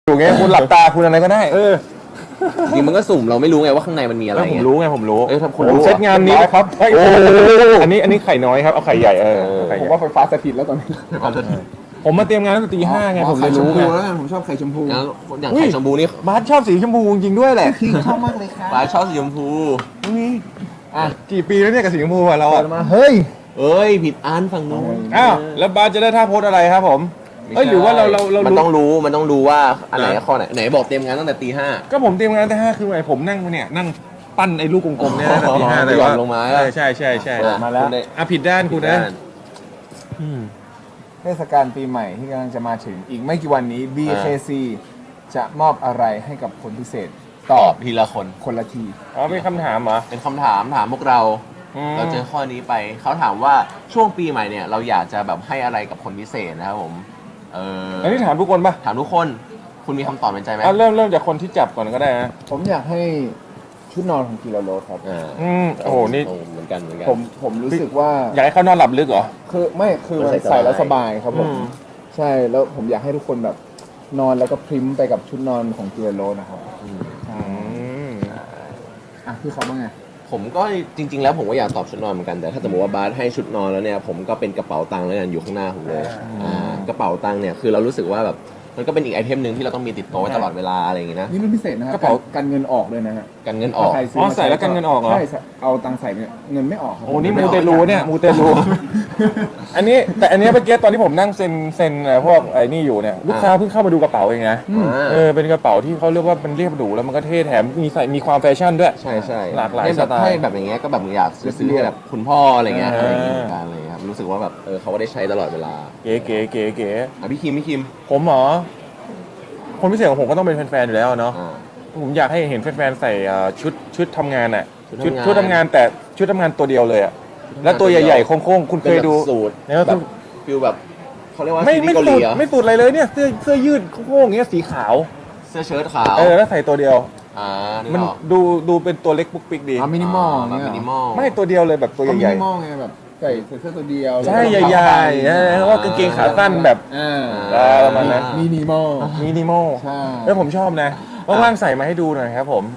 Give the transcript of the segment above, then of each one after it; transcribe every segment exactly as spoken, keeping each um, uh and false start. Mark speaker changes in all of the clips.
Speaker 1: อยู่ไงคุณหลับตาคุณอะไรก็ได้เออ
Speaker 2: จริงมันก็สุ่มเราไม่รู้ไงว่าข้างในมันมีอะไร
Speaker 1: ผมรู้ไงผมรู้
Speaker 2: เอ้ยถ้าคุณ
Speaker 1: ผม
Speaker 2: รู้
Speaker 1: เซตงานนี้ครับโอ้อันนี้อันนี้ไข่น้อยครับเอาไข่ใหญ่เออ
Speaker 3: ผมว่าไฟฟ้าสถิตแล้วตอนนี้
Speaker 1: ผมมาเตรียมงานตั้งแต่ตีห้าไงผมเลยรู้ไง
Speaker 3: แล้วกันผมชอบไข่ชมพู
Speaker 2: แล้วอย่างไข่ชมพูนี่
Speaker 1: บาสชอบสีชมพูจริงด้วยแหละ
Speaker 3: ชอบมากเลยครับ
Speaker 2: ปลาชอบสีชมพู
Speaker 1: อ่ะกี่ปีแล้วเนี่ยกับสีชมพูอ่ะเรา
Speaker 3: เปิ
Speaker 1: อ่ะ
Speaker 3: ดมาเฮ้ย
Speaker 2: เอ้ยผิดอันฝั่งนู้น
Speaker 1: อ้าวแล้วบาสจะได้ท่าโพสอะไรครับผมเอ้ยหรือว่าเราเราเรา
Speaker 2: มัน
Speaker 1: รู้
Speaker 2: ต้องรู้มันต้องรู้ว่าอันไหนข้อไหนไหนบอกเตรียมงานตั้งแต่ตีห้า
Speaker 1: ก็ผมเตรียมงานตั้งแต่ห้าคือไงผมนั่งเนี่ยนั่งปั้นไอ้ลูกกลมๆเนี่ยตั้งแต่ตีห้า
Speaker 2: อ๋อ
Speaker 1: แต่ว่า
Speaker 2: หย่อนลงมา
Speaker 1: ใช่ใช่ใช่ใช่
Speaker 2: อ่ะ
Speaker 3: มาแล้ว
Speaker 2: คุณได้
Speaker 1: อ่ะผิดด้านคุณนะอืม
Speaker 3: เทศกาลปีใหม่ที่กำลังจะมาถึงอีกไม่กี่วันนี้ บี เค ซี จะมอบอะไรให้กับคนพิเศษต
Speaker 2: ต
Speaker 3: อ
Speaker 2: อ
Speaker 3: บบ
Speaker 2: ทีละคน
Speaker 3: คนละที
Speaker 1: อ๋อเป็นคำถามเหรอ
Speaker 2: เป็นคำถามถามพวกเรา
Speaker 1: อืม
Speaker 2: เราเจอข้อนี้ไปเขาถามว่าช่วงปีใหม่เนี่ยเราอยากจะแบบให้อะไรกับคนพิเศษนะครับผมเออ
Speaker 1: อันนี้ถามทุกคนป่ะ
Speaker 2: ถามทุกคนคุณมีคำตอบในใจไหม
Speaker 1: อ่ะเริ่มเริ่มจากคนที่จับก่อนก็ได้นะ
Speaker 3: ผมอยากให้ชุดนอนของกิโลโรสครับ
Speaker 2: อ่า
Speaker 1: อืมโอ้โหนี่
Speaker 2: เหมือนกันเหมือนกัน
Speaker 3: ผมผมรู้สึกว่า
Speaker 1: อยากให้เขานอนหลับลึกเหรอ
Speaker 3: คือไม่คือมัน
Speaker 2: มันใส่
Speaker 3: ใส่แล้ว
Speaker 2: ส
Speaker 3: ส
Speaker 2: บา
Speaker 3: บาย ยครับผม
Speaker 1: อืม
Speaker 3: ใช่แล้วผมอยากให้ทุกคนแบบนอนแล้วก็พริมไปกับชุดนอนของกิโลโรสนะครับ
Speaker 2: อืม
Speaker 1: อืม
Speaker 3: อ่ะพี่เขาบ้างไง
Speaker 2: ผมก็จริง ๆ แล้วผมก็อยากตอบชุดนอนเหมือนกันแต่ถ้าสมมติว่าบาสให้ชุดนอนแล้วเนี่ยผมก็เป็นกระเป๋าตังค์แล้วกันอยู่ข้างหน้าผมเลยอ่ากระเป๋าตังค์เนี่ยคือเรารู้สึกว่าแบบมันก็เป็นอีกไอเทมหนึ่งที่เราต้องมีติดตัวไว้ตลอดเวลาอะไรอย่างงี้นะ
Speaker 3: นี่รุ่นพิเศษนะครับ
Speaker 1: กระเป๋า
Speaker 3: กันเงินออกเลยนะฮะ
Speaker 2: กันเงินออก
Speaker 3: ถ้าใครซื้
Speaker 1: อ๋อ
Speaker 3: มา
Speaker 1: ใส่แล้วกันเงินออกเหรอ
Speaker 3: ใช่ใส่เอาตังค์ใส่เนี่ยเงินไม่ออกครับ
Speaker 1: โอ้นี่มูเตลูเนี่ยมูเตลู อันนี้แต่อันนี้เมื่อกี้ตอนที่ผมนั่งเซ็นเซ็นเอ่อพวกไอ้นี่อยู่เนี่ยลูกค้าเพิ่งเข้ามาดูกระเป๋าเองนะ
Speaker 3: อืม
Speaker 2: อ่า
Speaker 1: เออเป็นกระเป๋าที่เขาเรียกว่ามันเรียบหรูแล้วมันก็เท่แถมมีใส่มีความแฟชั่นด้วย
Speaker 2: ใช่ใช่
Speaker 1: หลากหลาย
Speaker 2: ให้แบบ
Speaker 1: สไตล์
Speaker 2: ให้แบบอย่างเงี้ยก็แบบอยากซื้อให้แบบคุณพ่ออะไรเงี้ย
Speaker 1: เอออ
Speaker 2: อะไรอย่างเงี้ยเหมือนกันอะไรเลยครับรู้สึกว่าแบบเออเขาก็ได้ใช้ตลอดเวลา
Speaker 1: เก๋เก๋เก๋เก๋
Speaker 2: อ่ะพี่คิมพี่คิม
Speaker 1: ผมเหรอคนพิเศษของผมก็ต้องเป็นแฟนๆอยู่แล้วเนาะ
Speaker 2: อ่า
Speaker 1: ผมอยากให้เห็นแฟนๆใส่เอ่อชุดชุดทำงานอ่ะ
Speaker 2: ชุด
Speaker 1: ชุด
Speaker 2: ทำงาน
Speaker 1: ชุดทำงานแต่ชุดทำงานตัวเดียวเลยอ่ะแล้วตัวใหญ่ๆโค้งๆคุณเคยดู
Speaker 2: เป็นแบบสูตร
Speaker 1: เนี่ย
Speaker 2: แบบฟิลแบบเขาเรียกว่า
Speaker 1: ไม่
Speaker 2: ซีรี
Speaker 1: ไม่
Speaker 2: ส์เกาห
Speaker 1: สู
Speaker 2: ลี
Speaker 1: ด
Speaker 2: เหรอ
Speaker 1: ไม่สูดอะไรเลยเนี่ยเสื้อเสื้อยืดโค้งๆอย่างเงี้ยสีขาว
Speaker 2: เสื้อเชิ้ตขาว
Speaker 1: เออแล้วใส่ตัวเดียว
Speaker 2: อ่านี่
Speaker 1: มัน
Speaker 2: หรอ
Speaker 1: ดูดูเป็นตัวเล็กปุ๊กปิ๊กดี
Speaker 3: อ่ะมินิมอล
Speaker 2: แบบ
Speaker 3: เนี่ย
Speaker 2: มินิมอล
Speaker 1: ไม่ตัวเดียวเลยแบบตัว
Speaker 3: ก็มิ
Speaker 1: ใหญ่
Speaker 3: นิมอลไงแบบใส่เสื้อตัวเดียว
Speaker 1: ๆใช่ใหญ่ๆเออแล้วก็กางเกงขาสั้นแบบ
Speaker 3: อ่า
Speaker 1: เออประมาณนั้น
Speaker 3: มินิมอล
Speaker 1: มินิมอล
Speaker 3: ใช่
Speaker 1: แล้วผมชอบนะว่างๆใส่มาให้ดูหน่อยครับผม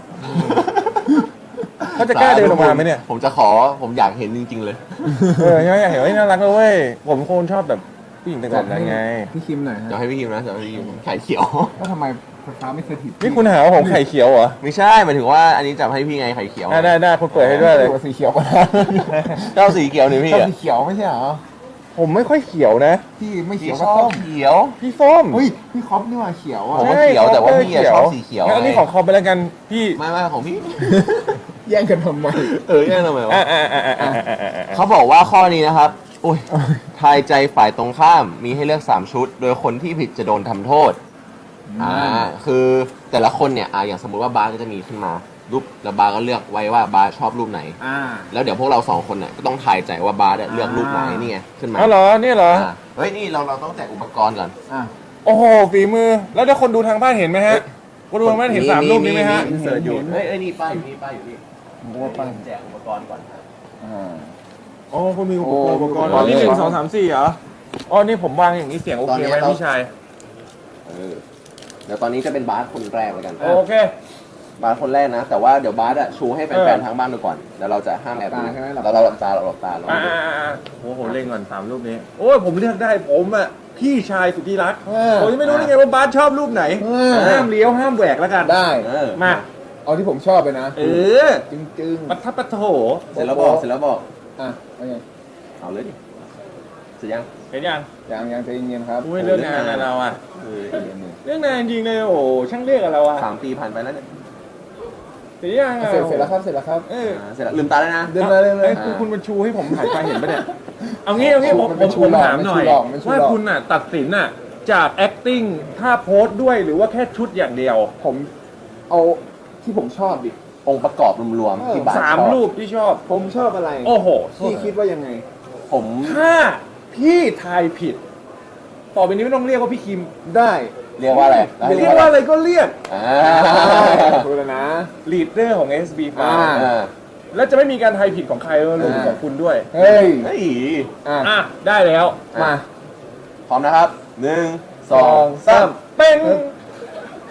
Speaker 1: เขาจะกล้าเดินออกมาไหมเนี่ย
Speaker 2: ผมจะขอผมอยากเห็นจริง ๆ เลย
Speaker 1: เออใช่ไหมอยากเห็นว่าน่ารักเลยเว้ยผมคนชอบแบบผู้หญิงแต่งแบบนั้นไง
Speaker 3: พี่คิมหน่อย
Speaker 2: จะ
Speaker 3: ฮะ
Speaker 2: ให้พี่คิมนะจะให้พี่คิมไข่เขียว
Speaker 3: ว่าทำไมไฟฟ้าไม่สถิต
Speaker 1: นี่คุณหาว่าผมไข่เขียวเหรอ
Speaker 2: ไม่ใช่หมายถึงว่าอันนี้จะให้พี่ไงไข่เขียว
Speaker 1: ได้ได้ได้คุณเปิดให้ด้วยเลย
Speaker 3: ตัวสีเขียวก็ได้
Speaker 2: เจ้าสีเขียวนี่พี่
Speaker 3: ชอบ
Speaker 2: อะ
Speaker 3: สีเขียวไม่ใช่เหรอ
Speaker 1: ผมไม่ค่อยเขียวนะ
Speaker 3: พี่ไม่
Speaker 2: พี่
Speaker 3: เขียว
Speaker 2: ช
Speaker 3: ก็
Speaker 2: อ
Speaker 3: ส้
Speaker 2: บ
Speaker 3: ม
Speaker 2: เขียว
Speaker 1: พี่ส้ม
Speaker 3: เฮ้ยพี่คอปนี่ว่าเขียวอ่ะ
Speaker 2: ผมว่าเขียวแต่ว่าพี่อะชอบสีเขียว
Speaker 1: งั้นอันนี้ของคอมไปแล้วกันพี่
Speaker 2: ไม่ไม่ของพี่
Speaker 3: แย่งกันทำไม
Speaker 2: เออแย่งทำไมวะ
Speaker 1: อ่าอ่าอ่าอ่าอ่าอ่าอ่า
Speaker 2: เขาบอกว่าข้อนี้นะครับโอ้ยทายใจฝ่ายตรงข้ามมีให้เลือกสามชุด โดยคนที่ผิดจะโดนทำโทษอ่าคือแต่ละคนเนี่ยอ่าอย่างสมมุติว่าบาสก็จะมีขึ้นมารูปแล้วบาสก็เลือกไว้ว่าบาสชอบรูปไหน
Speaker 3: อ่า
Speaker 2: แล้วเดี๋ยวพวกเราสองคนเนี่ยก็ต้องทายใจว่าบาสเนี่ยเลือกรูปไหน
Speaker 3: อ่านี่
Speaker 2: นี่ไงขึ้นมา
Speaker 1: อ๋อเหรอเนี่ยเหรอ
Speaker 2: อ่าเฮ้ยนี่เราเราต้องแจกอุปกรณ์ก่อน
Speaker 3: อ่ะ
Speaker 1: โอ้โหฝีมือแล้วถ้าคนดูทางบ้านเห็นไหมฮะคนดูทางบ้านเห็นสามรูปนี้ไหมฮะ
Speaker 2: อินเสิร์ตอยู่เฮ้ยเอ้ยนี่ป้ายอยู่นี่ป้ายอยู่นี่
Speaker 3: ผมว่าป้าย
Speaker 2: แจกอุปกรณ์ก่อนครับ
Speaker 3: อ่า
Speaker 1: อ๋อคุณมีอุปกรณ์
Speaker 3: โอ้
Speaker 1: อุปกรณ์
Speaker 3: อุปกรณ์
Speaker 1: อ๋อนี่หนึ่งสองสามสี่เหรออ๋อนี่ผมวางอย่างนี้เสียงโอเคไหมพี่ชาย
Speaker 2: เออเดี๋ยวตอนนี้จะเป็นบาสคนแรกแล้วกัน
Speaker 1: โอเค
Speaker 2: บาสคนแรกนะ แต่ว่าเดี๋ยวบาสอะชูให้แฟ
Speaker 1: เอน อ
Speaker 2: ๆทางบ้านดูก่อนเดี๋ยวเราจะห้ามแอบ
Speaker 3: หลั
Speaker 2: ดู
Speaker 3: บตาใช่ไหมหลับ
Speaker 2: เราเราหลับตาเราหลับตาเรา
Speaker 1: อ่าอ่าอ่าโอ้โหเล่นก่อนสามรูปนี้โอ้ยผมเลือกได้ผมอ่ะพี่ชายสุดที่รัก
Speaker 3: เออ
Speaker 1: ผมยังไม่รู้ได้ไงว่าบาสชอบรูปไหน
Speaker 3: เออ
Speaker 1: ห้ามเลี้ยวห้ามแหวกแล้วกัน
Speaker 3: ได้
Speaker 2: เออ
Speaker 1: มา
Speaker 3: เอาที่ผมชอบไปนะ
Speaker 1: เออ
Speaker 3: จึงจึง
Speaker 1: ปัททับปัทโถ
Speaker 2: เสร็จแล้วบอกเสร็จแล้วบอก
Speaker 3: อ่ะเอาไง
Speaker 2: เอาเลยดิเสร็จยัง
Speaker 1: เห็นยัง
Speaker 3: ยังยังใจเย็นๆครับ
Speaker 1: อุ้ยเรื่องงานอะเราอ่ะ
Speaker 2: เออ
Speaker 3: ใจเย็น
Speaker 1: เรื่องงานจริงเลยโอ้โหช่างเรียกอะเราอ่ะ
Speaker 2: สามปีผ่านไปแล้วเนี่ย
Speaker 1: เสร็จยัง
Speaker 3: ๆ
Speaker 1: อะ
Speaker 3: เสร็จเสร็จแล้วครับเสร็จแล้วครับ
Speaker 1: เออ
Speaker 2: อ่าเสร็จแล้วลืมตาแล้วนะ
Speaker 3: เดินมาเลยเลย
Speaker 1: อ้คุณคุณมาชูให้ผมหันไปเห็นปะเนี่ยเอางี้เอางี้ผม
Speaker 3: มัน
Speaker 1: ผ
Speaker 3: เป็น
Speaker 1: ม
Speaker 3: ชู
Speaker 1: ผม
Speaker 3: หลอก
Speaker 1: ถามหน่อย
Speaker 3: มันชูหลอกมันชูหลอก
Speaker 1: ว่าคุณอ่ะตัดสินอ่ะจาก acting ท่าโพสด้วยหรือว่าแค่ชุดอย่างเดียว
Speaker 3: ผมเอาที่ผมชอบดิ
Speaker 2: องค์ประกอบรวม
Speaker 3: เอ
Speaker 2: ๆ
Speaker 3: อ
Speaker 2: ที่บาส
Speaker 1: สาม
Speaker 2: ชอบ
Speaker 1: รูปที่ชอบ
Speaker 3: ผมชอบอะไร
Speaker 1: โอ้โห
Speaker 3: พี่คิดว่ายังไง
Speaker 2: ผม
Speaker 1: ถ้าพี่ทายผิด ต่อไปนี้ไม่ต้องเรียกว่าพี่คิม
Speaker 3: ได้
Speaker 2: เรียกว่าอะไร
Speaker 1: เรียกว่าอะไรก็เรียก
Speaker 2: อ่า
Speaker 3: พูดแล้วนะ
Speaker 1: ลีดเดอร์ของ เอส บี
Speaker 3: อ่า
Speaker 1: ไฟว์
Speaker 2: อ่า
Speaker 1: แล้วจะไม่มีการทายผิดของใครรวมถึงของคุณด้วย
Speaker 3: เฮ้ย
Speaker 2: เฮ้ย
Speaker 3: อ่ะ
Speaker 1: อ่ะ ได้แล้ว
Speaker 3: มา
Speaker 2: พร้อมนะครับหนึ่งสองสาม
Speaker 1: เป็น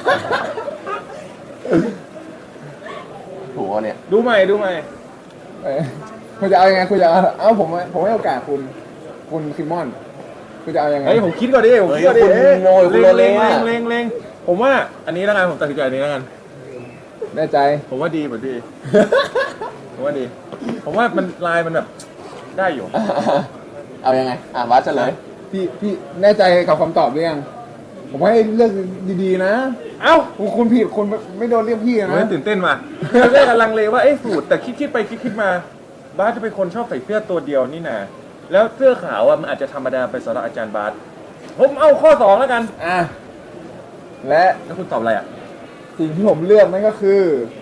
Speaker 2: ถูกปะเนี่ย
Speaker 1: ดูใหม่ดูใหม่
Speaker 3: เอ้ยคุณจะเอายังไงคุณจะเอาเอาผมผมให้โอกาสคุณคุณคิมมอนคุณจะเอายังไง
Speaker 1: เฮ้ยผมคิดก่อนดิผมคิดก่อนดิ
Speaker 2: เฮ้ยคุณโง่คุณโลเล
Speaker 1: เล็ง
Speaker 2: อะ
Speaker 1: เล็งเล็งผมว่าอันนี้แล้วกันผมตัดสินใจอันนี้แล้วกัน
Speaker 3: แน่ใจ
Speaker 1: ผมว่าดีเหมือนดี ผมว่าดี ผมว่ามันลายมันแบบได้อยู่
Speaker 2: เอายังไงอ่ะวัดเฉลย
Speaker 3: พี่พี่แน่ใจกับคำตอบหรือยังผมให้เลือกดีๆนะ
Speaker 1: เอ้า
Speaker 3: คุณคุณผิดคุณไม่โดนเรียกพี่
Speaker 1: ผม
Speaker 3: นะ
Speaker 1: ตื่นเต้นมาเราได้กำลังเลว่าเอ๊ะสูตรแต่คิดคิดไปคิดคิดมาบาสจะเป็นคนชอบใส่เสื้อตัวเดียวนี่นะแล้วเสื้อขาวอ่ะมันอาจจะธรรมดาไปสำหรับอาจารย์บาสผมเอาข้อสองแล้วกัน
Speaker 3: อ่ะและ
Speaker 1: แล้วคุณตอบอะไรอ่ะ
Speaker 3: สิ่งที่ผมเลือกนั่นก็คือ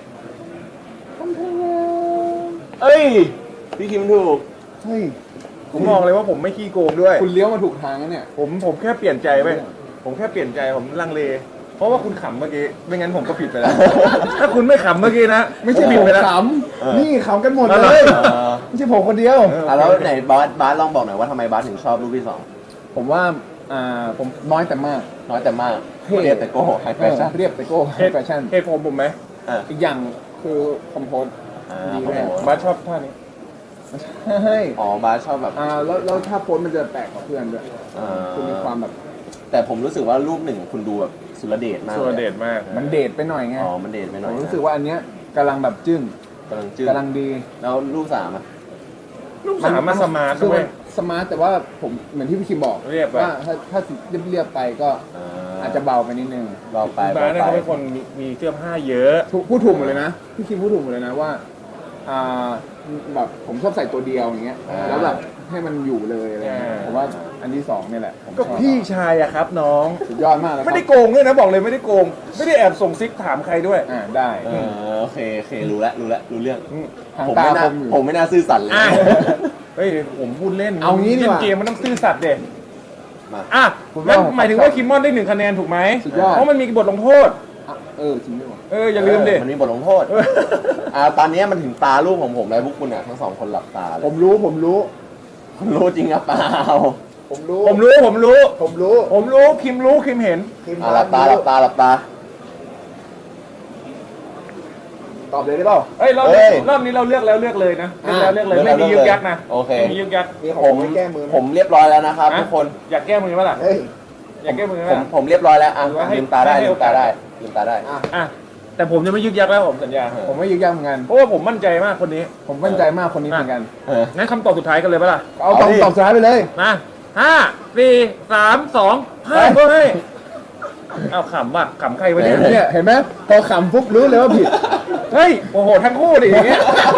Speaker 2: เอ้ย พี่คิมถูก
Speaker 3: เฮ้ย
Speaker 1: ผมมองเลยว่าผมไม่ขี้โกงด้วย
Speaker 3: คุณเลี้ยวมาถูกทางแล้วเนี่ย
Speaker 1: ผมผมแค่เปลี่ยนใจไปผมแค่เปลี่ยนใจผมลังเล เพราะว่าคุณขำเมื่อกี้ไม่งั้นผมก็ผิดไปแล้ว ถ้าคุณไม่ขำเมื่อกี้นะ
Speaker 3: ไม่ใช่
Speaker 1: ผ
Speaker 3: ผม
Speaker 1: ไปแล้ว
Speaker 3: ขำนี่ขำกันหมด
Speaker 1: เอา
Speaker 3: เล
Speaker 1: เหรอ
Speaker 3: ย
Speaker 2: เออ
Speaker 3: ไม่ใช่ผมคนเดียว
Speaker 2: อ่ะแล้วไหนบาสบาสลองบอกหน่อยว่าทำไมบาสถึงชอบรูปที่สอง
Speaker 3: ผมว่าอ่าผมน้อยแต่มาก
Speaker 2: น้อยแต่มาก
Speaker 3: เท่
Speaker 2: เรียบแต่โก้ไฮแฟชั่น
Speaker 3: เรียบแต่โก้
Speaker 1: เหตุ
Speaker 3: แฟชั่น
Speaker 1: เหตุผมผมไหม
Speaker 2: อ่ะ
Speaker 3: อีกอย่างคือคอมโพส
Speaker 2: อ่า
Speaker 3: ดี
Speaker 2: โอ้
Speaker 3: แน่
Speaker 2: โห
Speaker 1: บาสชอบท่านี้
Speaker 3: ให้
Speaker 2: อ๋อบาสชอบแบบ
Speaker 3: อ่าแล้วแล้วถ้าโพสมันจะแปลกกว่าเพื่อนด้วย
Speaker 2: อ่า
Speaker 3: คุณมีความแบบ
Speaker 2: แต่ผมรู้สึกว่ารูปหนึ่งคุณดูแบบสุรเดชมาก
Speaker 1: สุรเดชมาก
Speaker 3: มันเดทไปหน่อยไง
Speaker 2: อ๋อมันเดชไปห
Speaker 3: ผ
Speaker 2: น่อย
Speaker 3: ม
Speaker 2: นะ
Speaker 3: รู้สึกว่าอันเนี้ยกำลังแบบจึ้ง
Speaker 2: กำลังจืด
Speaker 3: กำลังดี
Speaker 2: แล้วรูปสามอ่ะ
Speaker 1: ลูกสามมาสมาร์ท
Speaker 3: คือ
Speaker 1: ด้ว
Speaker 3: มั
Speaker 1: ย
Speaker 3: นสมาร์ทแต่ว่าผมเหมือนที่พี่คิมบอก
Speaker 1: เรียบไป
Speaker 3: ว่าถ้าถ้าเรียบเรียบๆไปก็
Speaker 2: อ่า
Speaker 3: อาจจะเบาไปนิดนึง
Speaker 2: เบาไป
Speaker 1: บา
Speaker 2: เบา
Speaker 1: สเนี่ย
Speaker 2: ไป
Speaker 1: เขาเป็นคนมีมีเสื้อผ้าเยอะ
Speaker 3: ถูกพูดถูกหมดเลยนะพี่คิมพูดถูกหมดเลยนะว่าอ่าแบบผมชอบใส่ตัวเดียวอย่างเงี้ยแล้วแบบให้มันอยู่เลยอะไรเงี้ยผมว่าอันที่สองเนี่ยแหละผมช
Speaker 1: ก็
Speaker 3: อบ
Speaker 1: พี่ชายอะครับน้อง
Speaker 3: สุดยอดมากแล้วค
Speaker 1: ไม่
Speaker 3: รับ
Speaker 1: ได้โกงด้วยนะบอกเลยไม่ได้โกง ไม่ได้แอบส่งซิกถามใครด้วย
Speaker 3: อ่าได้
Speaker 2: เออโอเคโอเครู้แล้วรู้แล้วรู้เรื่อง
Speaker 3: ทาง
Speaker 2: ผม
Speaker 3: ตา
Speaker 2: ไม่น่า
Speaker 3: คมอยู่
Speaker 2: ผมไม่น่าซื่อสัตย์เลย
Speaker 1: อ่ะ เฮ้ยผมพูดเล่น
Speaker 3: เอางี้ดีกว่า
Speaker 1: เล่นเกมมันต้องซื่อสัตย์เด็ด
Speaker 2: มา
Speaker 1: อ่ะ
Speaker 3: ผม
Speaker 1: แล้ว
Speaker 3: ว่า
Speaker 1: หมายถึงว่าคิมมอนได้หนึ่งคะแนนถูกไหม
Speaker 3: สุดยอด
Speaker 1: เพราะมันมีบทลงโทษ
Speaker 3: อ่ะเออจริงด้วยว่ะ
Speaker 1: เอออย่าลืมดิ
Speaker 2: มันมีบทลงโทษอ่าตอนนี้มันถึงตาลูกของผมแล้วพวกคุณอ่ะทั้งสองคนหลับตาเล
Speaker 3: ผ
Speaker 2: ย
Speaker 3: มรู้ผมรู้
Speaker 2: คุณรู้จริงหรือเปล่า
Speaker 3: ผมรู้
Speaker 1: ผมรู้ผมรู้
Speaker 3: ผมรู้
Speaker 1: ผมรู้คิมรู้คิมเห็น
Speaker 3: คิม
Speaker 2: อ่ะหลับตาหลับตาหลับตา
Speaker 3: ตอบเลยได้เปล่า
Speaker 1: เอ้ยรอบ
Speaker 2: เอ้
Speaker 1: นี้
Speaker 2: ย
Speaker 1: รอบนี้เราเลือกแล้วเลือกเลยนะเลือกแล้วเลือกเลยไม่มียึกยักนะ
Speaker 2: โอเค
Speaker 1: ไม่มียึกยัก
Speaker 3: มีของ
Speaker 2: ผม
Speaker 3: ไว้แก้มือไหม
Speaker 2: ผมเรียบร้อยแล้วนะครับ
Speaker 1: ะ
Speaker 2: ทุกคน
Speaker 1: อยากแก้มือไหมล่ะ
Speaker 3: เฮ้ย
Speaker 1: อยากแก้มือไหม
Speaker 2: ผม
Speaker 1: ล่ะ
Speaker 2: ผมเรียบร้อยแล้วอ่ะ
Speaker 1: หรือว่าให้
Speaker 2: ลืมตาได้
Speaker 1: ให้
Speaker 2: ลื
Speaker 1: โอ
Speaker 2: ม
Speaker 1: กา
Speaker 2: ตา
Speaker 1: ส
Speaker 2: ได้ลืมตาได้
Speaker 3: อ่ะ
Speaker 1: อ่ะแต่ผมจะไม่ยึกยักแล้วผมสัญญา
Speaker 3: ผมไม่ยึกยักเหมือนกัน
Speaker 1: เพราะว่าผมมั่นใจมากคนนี้
Speaker 3: ผมมั่นใจมากคนนี้เหมือนกัน
Speaker 2: เออ
Speaker 1: งั้นคำตอบสุดท้ายกันเลยปะล่ะ
Speaker 3: เอา
Speaker 2: เอา
Speaker 3: ตอบ
Speaker 2: ดิ
Speaker 3: ตอบสุดท้ายไปเลย
Speaker 1: มาห้าสี่สามสองห้าก็ให้เอาขำว่ะขำใครวะเนี่ย
Speaker 3: เนี่ยเห็นไหมพอขำปุ๊บรู้เลยว่าผิด
Speaker 1: เฮ้ยโอ้โหทั้งคู่ดิอย่างเงี้ย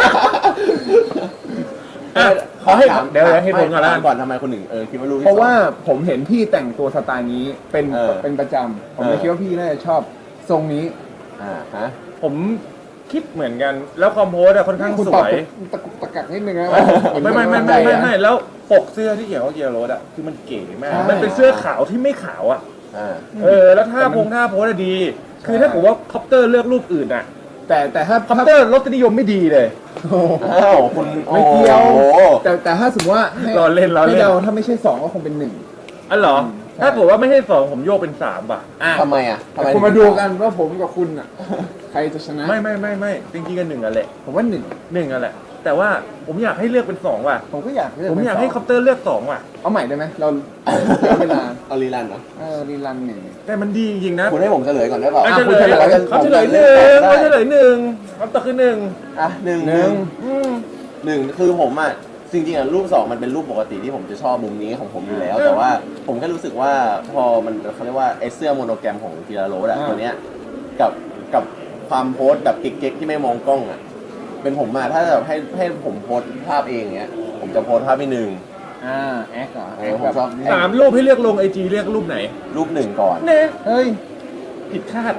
Speaker 1: อ่ะขอให้เดี๋ยวเดี๋ยวให้ผมก่อนละ
Speaker 2: ถามก่อนทำไมคนหนึ่งเออคิดว่ารู้ที่
Speaker 3: เพราะว่า
Speaker 2: สอง
Speaker 3: ผมเห็นพี่แต่งตัวสไตล์นี้เป็น
Speaker 2: เออ
Speaker 3: เป็นประจำผมเลย
Speaker 2: เออ
Speaker 3: คิดว่าพี่น่าจะชอบทรงนี้
Speaker 2: อ่าฮะ
Speaker 1: ผมคิดเหมือนกัน แล้วคอมโพสอะค่อนข้าง
Speaker 3: คุณ
Speaker 1: ส
Speaker 3: ตอบ
Speaker 1: วย
Speaker 3: ตะกุกตะกักนิดนึงนะ
Speaker 1: ไม่ไม่ไม่ไม่ไม่ไม่แล้วปกเสื้อที่เขียนว่าเกียร์โรดอะคือมันเก๋มาก
Speaker 3: ใช่
Speaker 1: มันเป็นเสื้อขาวที่ไม่ขาวอะ
Speaker 2: อ่า
Speaker 1: เออแล้วท่าพงท่าโพสอะดี คือถ้าผมว่าคอปเตอร์เลือกรูปอื่นอะ
Speaker 3: แต่แต่ถ้า
Speaker 1: คอปเตอร์รสนิยมไม่ดีเลย
Speaker 3: โอ้โห
Speaker 2: อ้าวคุณ
Speaker 3: ไม่เกี่ยว
Speaker 2: โอ้โห
Speaker 3: แต่แต่ถ้าสมมติว่าให้
Speaker 1: รอเล่นรอเล่น
Speaker 3: ให้เราถ้าไม่ใช่สองก็คงเป็นหนึ่ง
Speaker 1: อ๋อเหรอ
Speaker 3: อืมใช่
Speaker 1: ถ้าผมว่าไม่ใช่สองผมโยกเป็นสามป่ะ
Speaker 3: อ่ะ
Speaker 2: ทำไมอ่ะทำไม
Speaker 3: คุณมาดูกันว่าผมกับคุณอ่ะ ใครจะชนะ
Speaker 1: ไม่ไม่ไม่ไม่จริงๆกันหนึ่งอะแหละ
Speaker 3: ผมว่าหนึ่ง
Speaker 1: หนึ่งอะแหละแต่ว่าผมอยากให้เลือกเป็นสองว่ะ
Speaker 3: ผมก็อยากเลือก
Speaker 1: ผมอยาก
Speaker 3: เป็นสง
Speaker 1: ให้คอปเตอร์เลือกสองว่ะ
Speaker 3: เอาใหม่ได้ไหมเราเอาเวลา
Speaker 2: เอารีรันเหรอ
Speaker 3: เออรีรันหนึ่ง
Speaker 1: แต่มันดีจริงๆนะ
Speaker 2: คุณให้ผมเฉลยก่อนได้เปล่า
Speaker 1: อ่ะ
Speaker 3: อ่ะ
Speaker 1: เฉ
Speaker 3: คุ
Speaker 1: ล
Speaker 3: ณ
Speaker 1: ย
Speaker 3: เฉลย
Speaker 1: เขาเฉลยหนึ่งเขาเฉลยหนึ่งคำตอบคือหนึ่ง
Speaker 2: อ่ะหนึ่ง
Speaker 3: หนึ่ง
Speaker 1: อืม
Speaker 2: หนึ่งคือผมอ่ะจริงๆอ่ะรูปสองมันเป็นรูปปกติที่ผมจะชอบมุมนี้ของผมอยู่แล้ว แต่ว่าผมแค่รู้สึกว่าพอมันเขาเรียกว่าไอเสื้อโมโนแกรมของกีฬาโรดอะตัวเนี้ยกับกับความโพสแบบเก๊กๆที่ไม่มองกล้องอ่ะเป็นผมมาถ้าแบบให้ให้ผมโพสภาพเองเนี้ยผมจะโพสภาพที่หนึ่ง
Speaker 3: อ่าแอคเหรอ
Speaker 2: เออผมชอบ
Speaker 1: สามรูปให้เลือกลงไอจีเลือกรูปไหน
Speaker 2: รูปหนึ่งก่อน
Speaker 1: เน่
Speaker 3: เฮ้ย
Speaker 1: ผิดคาด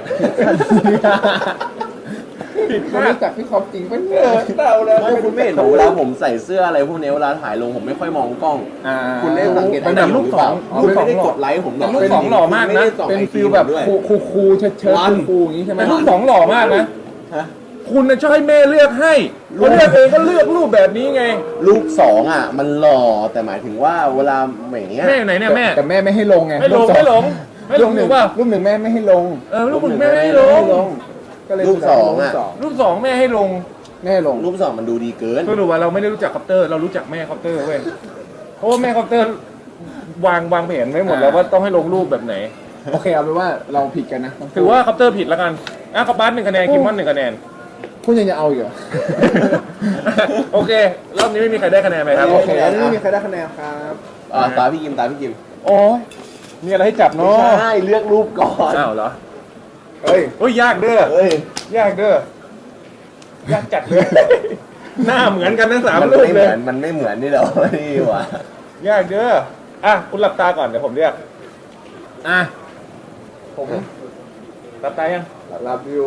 Speaker 3: ผิดคนรู้จักพี่คอปจริงปะเนี่ย
Speaker 1: เต่าเลย
Speaker 2: ไม่คุณไม่เห็นผมเวลาผมใส่เสื้ออะไรพวกนี้เวลาถ่ายลงผมไม่ค่อยมองกล้อง
Speaker 3: อ่า
Speaker 2: คุณได้สังเกต
Speaker 1: เป็นแบบรูปสอง
Speaker 2: คุณไม่ได้กดไลค์ผมหรอก
Speaker 1: แต่รูปสองหล่อมากนะ
Speaker 3: เป็นฟิลแบบคูคูคูเชิดเชิด
Speaker 2: วัน
Speaker 3: คูอย่างนี้ใช่ไหม
Speaker 1: แต่รูปสองหล่อมากนะ
Speaker 2: ฮะ
Speaker 1: คุณน่ะชอบให้แม่เลือกให้คนเลือกเองก็เลือกรูปแบบนี้ไง
Speaker 2: รูปสองอ่ะ มันหล่อแต่หมายถึงว่าเวลาอย่างเงี้ย
Speaker 1: แม่อยู่ไหนเนี่ยแม่
Speaker 3: แต่แม่ไม่ให้ลงไง
Speaker 1: ไม่หลง
Speaker 3: รูปสอ
Speaker 1: ไม่หลงไม่ลง
Speaker 3: ห
Speaker 1: ห
Speaker 3: นึ่
Speaker 1: รื
Speaker 3: ง
Speaker 1: อเปล่า
Speaker 3: รูปหนึ่งแม่ไม่ให้ลง
Speaker 1: เออรูปหนึ่งแม่ไม่ให้ลง
Speaker 3: ก็เลย
Speaker 2: รูปสองอะ
Speaker 3: รูปสอง
Speaker 1: รูปสองแม่ให้ลง
Speaker 3: ไม่ให้ลง
Speaker 2: รูปสองมันดูดีเกิน
Speaker 1: สรุปว่าเราไม่ได้รู้จักคอปเตอร์ เรารู้จักแม่คอปเตอร์เว้ยเพราะว่าแม่คอปเตอร์วางวางแผนไว้หมดแล้วว่าต้องให้ลงรูปแบบไหน
Speaker 3: โอเคเอาเป็นว่าเราผิดกันนะทั้งคู่
Speaker 1: ถือว่าคอปเตอร์ผิดแล้วกันอ่ะคอปบัสหนึ่งคะแนนคิมมอนหนึ่งคะแนน
Speaker 3: คุณยังจะเอาอีกเหรอ
Speaker 1: โอเครอบนี้ไม่มีใครได้คะแนนไหมครับ
Speaker 3: โอเคอันนี้ไม่มีใครได้คะแนนครับ
Speaker 2: อ่าตาพี่กิมตาพี่กิม
Speaker 1: โอ้ยมีอะไรให้จับเนาะ
Speaker 2: ใช่เลือกรูปก่อน
Speaker 1: อ้าวเหรอ
Speaker 3: เฮ้ย
Speaker 1: โอ้ยยากเด้อ
Speaker 2: เฮ้ย
Speaker 1: ยากเด้อยากจัดเลย หน้าเหมือนกันทั้งสาม
Speaker 2: มัน
Speaker 1: รูป
Speaker 2: ไม่เห
Speaker 1: เล
Speaker 2: มื
Speaker 1: ย
Speaker 2: อนมันไม่เหมือนนี่เหรอนี่หว่ะ
Speaker 1: ยากเด้ออ่ะคุณหลับตาก่อนเดี๋ยวผมเรียกอ่ะผมหลับตายัง
Speaker 3: รับอยู่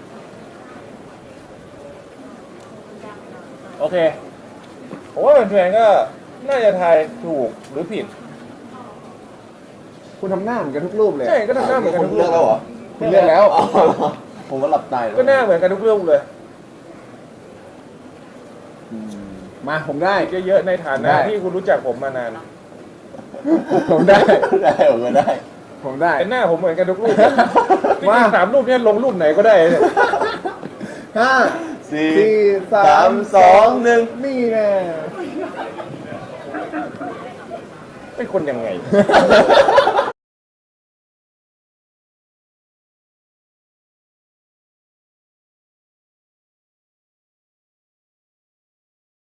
Speaker 1: โอเคผมว่าแฟนๆก็น่าจะทายถูกหรือผิด
Speaker 3: คุณทำหน้าเหมือนกันทุกรูปเลย
Speaker 1: ใช่ก็ทำหน้าเหมือนกัน
Speaker 2: คุ
Speaker 1: ทุ
Speaker 2: ณ
Speaker 1: ก
Speaker 2: เลื
Speaker 1: รู
Speaker 2: อก
Speaker 1: ป
Speaker 2: แล้วเหรอ
Speaker 3: คุณเลือกแล้ว
Speaker 2: อ๋อผมก็หลับตาอยู่
Speaker 1: ก็หน้าเหมือนกันทุกรูปเลย
Speaker 3: มาผมได้
Speaker 1: เยอะๆในฐานะ
Speaker 3: ได้
Speaker 1: ที่คุณรู้จักผมมานาน
Speaker 3: ผมได้
Speaker 2: ได้ผมก็ได้
Speaker 3: ผมได้
Speaker 1: แต่หน้าผมเหมือนกันทุกรูปจริ
Speaker 3: มา
Speaker 1: งๆสามรูปเนี่ยลงรูปไหนก็ได้เนี่ย
Speaker 3: ห้า
Speaker 2: สี่
Speaker 3: สี่สา
Speaker 2: สาม มสองหนึ่ง
Speaker 3: นี่แน่
Speaker 1: เป็นคนยังไง